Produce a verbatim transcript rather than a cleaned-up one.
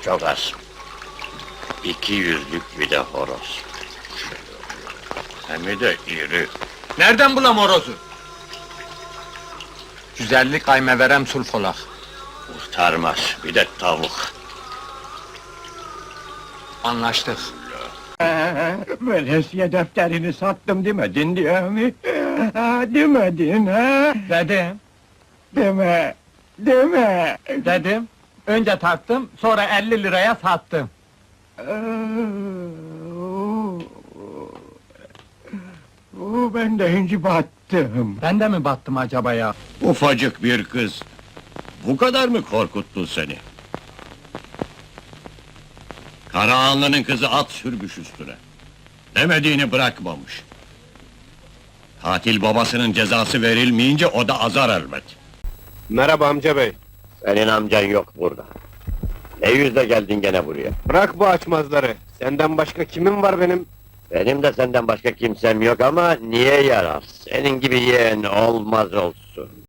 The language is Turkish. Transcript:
Çok az. İki yüzlük bir de horoz. Hem de iri. Nereden bulam horozu? Güzellik kayme verem sulfolak. Kurtarmaz, bir de tavuk. Anlaştık. Veresiye defterini sattım demedin diye mi? Demedin ha? Dedim, Deme, deme. dedim. Önce taktım, sonra elli liraya sattım. Oo, ben de inci battım. Ben de mi battım acaba ya? Ufacık bir kız. Bu kadar mı korkuttu seni? Karahanlı'nın kızı at sürmüş üstüne. Demediğini bırakmamış. Katil babasının cezası verilmeyince o da azar elbet. Merhaba amca bey. Senin amcan yok burada. Ne yüzle geldin gene buraya? Bırak bu açmazları. Senden başka kimin var benim? Benim de senden başka kimsem yok ama niye yarar? Senin gibi yeğen olmaz olsun.